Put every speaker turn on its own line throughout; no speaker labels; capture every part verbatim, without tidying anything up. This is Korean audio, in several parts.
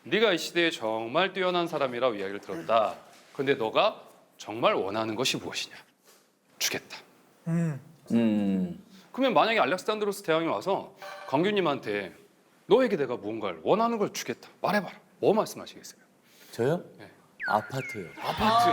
네가 이 시대에 정말 뛰어난 사람이라고 이야기를 들었다. 근데 너가 정말 원하는 것이 무엇이냐? 주겠다.
음.
음.
그러면 만약에 알렉산드로스 대왕이 와서 광규님한테 너에게 내가 무언가를 원하는 걸 주겠다. 말해봐라. 뭐 말씀하시겠어요?
저요?
네.
아파트요.
아파트.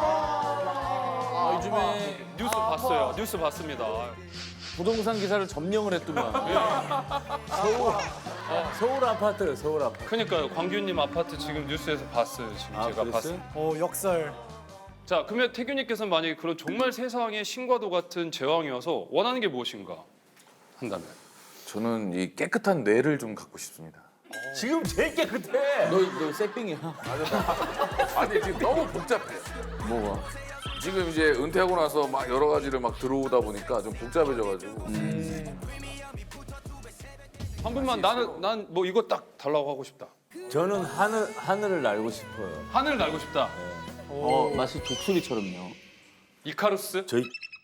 아, 요즘에
뉴스 봤어요. 뉴스 봤습니다.
부동산 기사를 점령을 했더만. 서울, 서울 아파트요, 서울 아파트.
그러니까요. 광규님 아파트 지금 뉴스에서 봤어요. 지금
아,
제가
그랬어요?
봤어요.
어 역설.
자, 그러면 태균님께서는 만약에 그런 정말 세상의 신과도 같은 제왕이어서 원하는 게 무엇인가 한다면?
저는 이 깨끗한 뇌를 좀 갖고 싶습니다.
지금 제일 깨끗해. 너, 너 새삥이야.
아니 지금 너무 복잡해.
뭐가?
지금 이제 은퇴하고 나서 막 여러 가지를 막 들어오다 보니까 좀 복잡해져가지고.
한 분만 나는 난 뭐 이거 딱 달라고 하고 싶다.
저는 하늘, 하늘을 날고 싶어요.
하늘을 날고 싶다.
어, 마치 독수리처럼요.
이카루스?
저희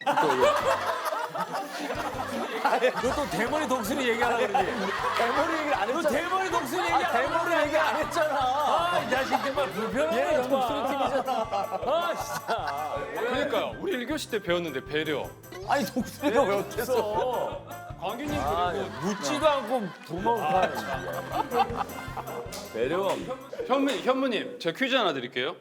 너또 대머리 독수리 얘기하라 그러지? 대머리 얘기를 안 했잖아. 너 대머리 독수리 얘기 아, 대머리 얘기 안 했잖아. 아, 이 자식 정말 불편하네. 얘 독수리 팀이잖아. 아, 진짜.
그러니까요. 우리 일 교시 때 배웠는데 배려.
아니 독수리가 왜 어땠어?
광규님
아,
그리고
묻지도 않고 도망가는 배려.
현무, 현무님, 제가 퀴즈 하나 드릴게요.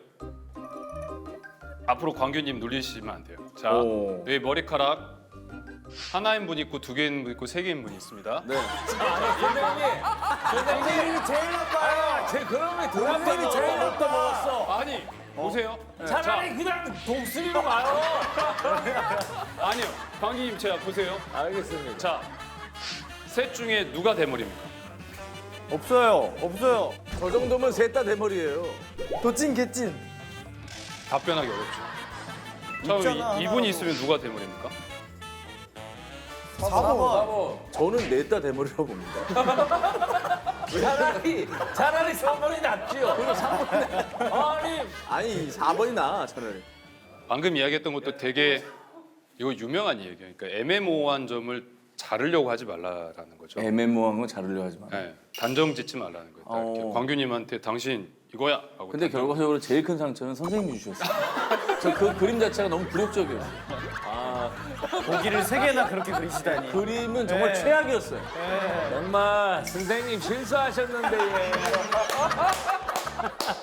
앞으로 광규님 놀리시면 안 돼요. 자,
오.
여기 머리카락 하나인 분 있고 두 개인 분 있고 세 개인 분이 있습니다.
네. 선생님, 선생님이 제일 나빠요. 제 그러면 선생님이 제일 나빠 먹었어.
아니, 보세요. 네,
차라리
자,
그냥 독수리로 가요.
아니요. 광규님 제가 보세요.
알겠습니다.
자, 셋 중에 누가 대머리입니까?
없어요, 없어요. 저 정도면 셋 다 대머리예요.
도찐 개찐.
답변하기 어렵죠. 자,
있잖아,
이, 이분이
하나도.
있으면 누가 대머리입니까?
사 번.
저는 넷 다 대머리라고 봅니다. 차라리 차라리 삼 번이 낫지요. 그리고 삼 번이 아니 아니 사 번이 나 차라리.
방금 이야기했던 것도 되게 이거 유명한 얘기예요. 그러니까 애매모호한 점을 자르려고 하지 말라라는 거죠.
애매모호한 건 자르려 하지 마.
네, 단정 짓지 말라는 거예요. 딱 이렇게
어.
광규님한테 당신 이거야 하고
근데
단정-
결과적으로 제일 큰 상처는 선생님이 주셨어요. 저 그 그림 자체가 너무 굴욕적이었어요. 아,
고기를 세 개나 그렇게 그리시다니.
그림은 정말
네.
최악이었어요. 정말 선생님 실수하셨는데 예.